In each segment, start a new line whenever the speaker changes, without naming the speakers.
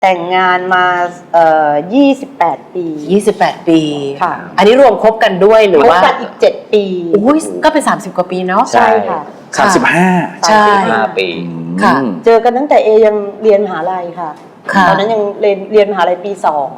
แต่งงานมา28 ปี
28 ปี
ค่ะ
อันนี้รวมคบกันด้วยหรือว่า
คบกันอีก7 ปี
อุ้ยก็เป็น30 กว่าปีเนาะ
ใช่ค่ะ
35
ใช่
5 ปี
ค่ะ
เจอกันตั้งแต่ยังเรียนมหาลัยค่ะตอนนั้นยังเรียนมหาลัยปี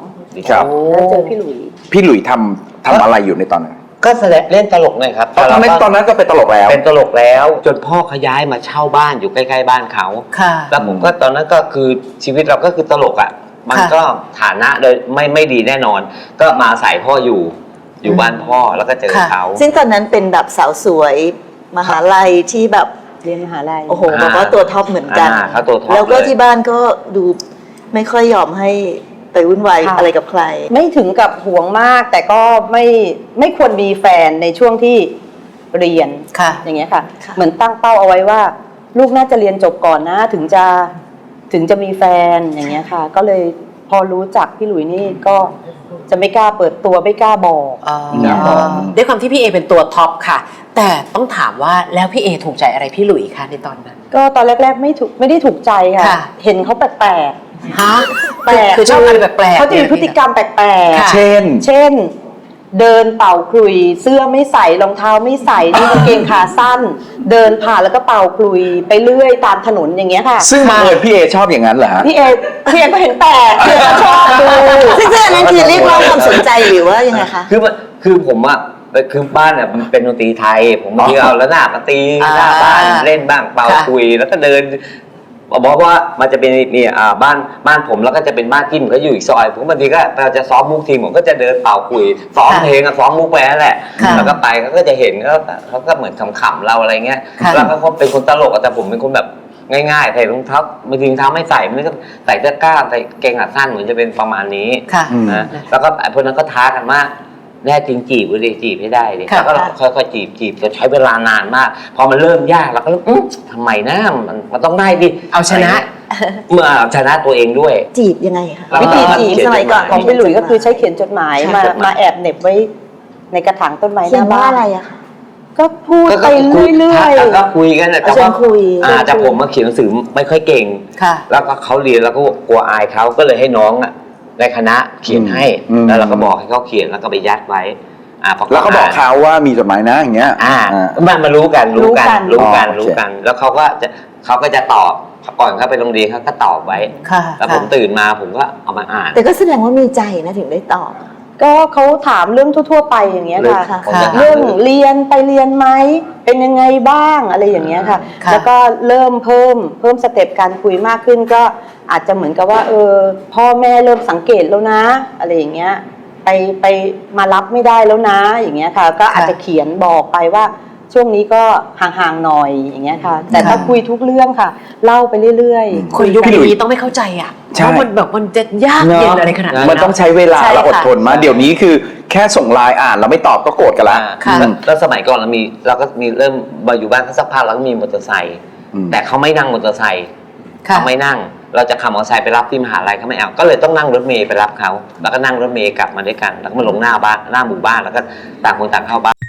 2
ครับ
แล้วเจอพี่หลุย
ทำอะไรอยู่ในตอนนั้น
ก็แสดงเล่นตลกเลยครับ
ทำไมตอนนั้นก็เป็นตลกแล้ว
เป็นตลกแล้วจนพ่อเขาย้ายมาเช่าบ้านอยู่ใกล้ๆบ้านเขาแล้วผมก็ตอนนั้นก็คือชีวิตเราก็คือตลกอ่ะมันก็ฐานะโดยไม่ดีแน่นอนก็มาอาศัยพ่ออยู่บ้านพ่อแล้วก็เจอเขา
ซึ่งตอนนั้นเป็นแบบสาวสวยมหาลัยที่แบบ
เรียนมหาลัย
โอ้โหบอกว่าตัวท็อปเหมือนกัน
เขาตัวท็อป
แล้วก็ที่บ้านก็ดูไม่ค่อยยอมให้ไปวุ่นวายอะไรกับใคร
ไม่ถึงกับห่วงมากแต่ก็ไม่ควรมีแฟนในช่วงที่เรียนอย่างเงี้ยค่ะเหมือนตั้งเป้าเอาไว้ว่าลูกน่าจะเรียนจบก่อนนะถึงจะมีแฟนอย่างเงี้ยค่ะก็เลยพอรู้จักพี่หลุยนี่ก็จะไม่กล้าเปิดตัวไม่กล้าบอกอย่างเงี้ย
ด้วยความที่พี่เอเป็นตัวท็อปค่ะแต่ต้องถามว่าแล้วพี่เอถูกใจอะไรพี่หลุยคะในตอนนั้น
ก็ตอนแรกๆไม่ได้ถูกใจค่ะเห็นเขาแปลก
ฮะแปลกคือชอบอะไรแปลก
เขาจะมีพฤติกรรมแปลก
เช่น
เดินเป่าคลุยเสื้อไม่ใส่รองเท้าไม่ใส่นี่กางเกงขาสั้นเดินผ่านแล้วก็เป่าคลุยไปเรื่อยตามถนนอย่างเงี้ยค่ะ
ซึ่งพี่เอชอบอย่างนั้นเหรอฮะ
พี่เอก็เห็นแปลกพี่เอก็ชอบดู
ซึ่งอันนั้นคือเรียกร้องความสนใจหรือว่ายังไงคะ
คือผมอะคือบ้านเนี่ยมันเป็นดนตรีไทยผมบางทีเอาแล้วหน้ามาตีหน้าบ้านเล่นบ้างเป่าคุยแล้วก็เดินบอกว่ามันจะเป็นนี่บ้านผมแล้วก็จะเป็นบ้านที่ผมก็อยู่อีกซอยผมบางทีก็เราจะซ้อมมุกทีผมก็จะเดินเป่าคุยซ้อมเพลงซ้อมมุกไปนั่นแหละแล้วก็ไปเขาก็จะเห็นเขาก็เหมือนขำๆเราอะไรเงี้ยแล้วเขาเป็นคนตลกแต่ผมเป็นคนแบบง่ายๆใส่รองเท้าบางทีรองเท้าไม่ใส่ไม่ก็ใส่เสื้อกล้ามใส่เกงขาสั้นเหมือนจะเป็นประมาณนี้นะแล้วก็พวกนั้นก็ท้ากันมากแน่จริงจีบเลยจีบให้ได้เลยแล้วก็ค่อยๆจีบจะใช้เวลานานมากพอมันเริ่มยากแล้วก็ทำไมนะมันต้องได้ดิ
เอาชนะ
เมื่อชนะตัวเองด้วย
จีบยังไงคะ
วิธีจีบสมัยก่อนของพี่หลุยก็คือใช้เขียนจดหมายมาแอบเหน็บไว้ในกระถางต้นไม้หน้าบ้าน
อะไรอะคะ
ก็พูดไปเรื่อย
ๆก็คุยกันแต่ว่าแต่ผมมาเขียนหนังสือไม่ค่อยเก่งแล้วก็เขาเรียนแล้วก็กลัวอายเขาก็เลยให้น้องในคณะเขียนให้แล้วเราก็บอกให้เขาเขียนแล้วก็ไปยัดไว้
แล้วก็บอกเขาว่ามีจดหมายนะอย่างเงี้ย
มารู้กันแล้วเขาก็จะตอบก่อนเขาไปโรงเรียนเขาก็ตอบไว้แล้วผมตื่นมาผมก็เอามาอ่าน
แต่ก็แสดงว่ามีใจนะถึงได้ตอบ
ก็เขาถามเรื่องทั่วๆไปอย่างเงี้ยค่ะเรื่องเรียนไปเรียนไหมเป็นยังไงบ้างอะไรอย่างเงี้ยค่ะแล้วก็เริ่มเพิ่มสเต็ปการคุยมากขึ้นก็อาจจะเหมือนกับว่าพ่อแม่เริ่มสังเกตแล้วนะอะไรอย่างเงี้ยไปมารับไม่ได้แล้วนะอย่างเงี้ยค่ะก็อาจจะเขียนบอกไปว่าช่วงนี้ก็ห่างๆหน่อยอย่างเงี้ยค่ะแต่ถ้าคุยทุกเรื่องค่ะเล่าไปเรื่อย
ๆคนยุคนี้ต้องไม่เข้าใจอ่ะเพราะมันแบบมันจะยากเย็นอะไรขนาดนั้น
มันต้องใช้เวลาและอดทนมาเดี๋ยวนี้คือแค่ส่งไลน์อ่านเราไม่ตอบก็โกรธกันละ
แล้วสมัยก่อนเราก็มีเริ่มมาอยู่บ้านสักพักแล้วก็มีมอเตอร์ไซค์แต่เขาไม่นั่งมอเตอร์ไซค์เขาไม่นั่งเราจะขับมอเตอร์ไซค์ไปรับที่มหาลัยเขาไม่เอาก็เลยต้องนั่งรถเมล์ไปรับเขาแล้วก็นั่งรถเมล์กลับมาด้วยกันแล้วก็มาลงหน้าหมู่บ้านแล้วก็ต่างคนต่างเข้าบ้าน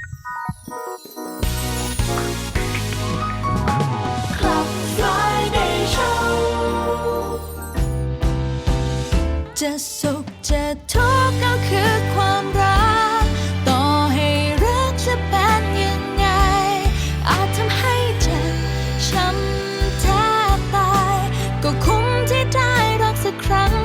จะสุขจะทุกข์ก็คือความรัก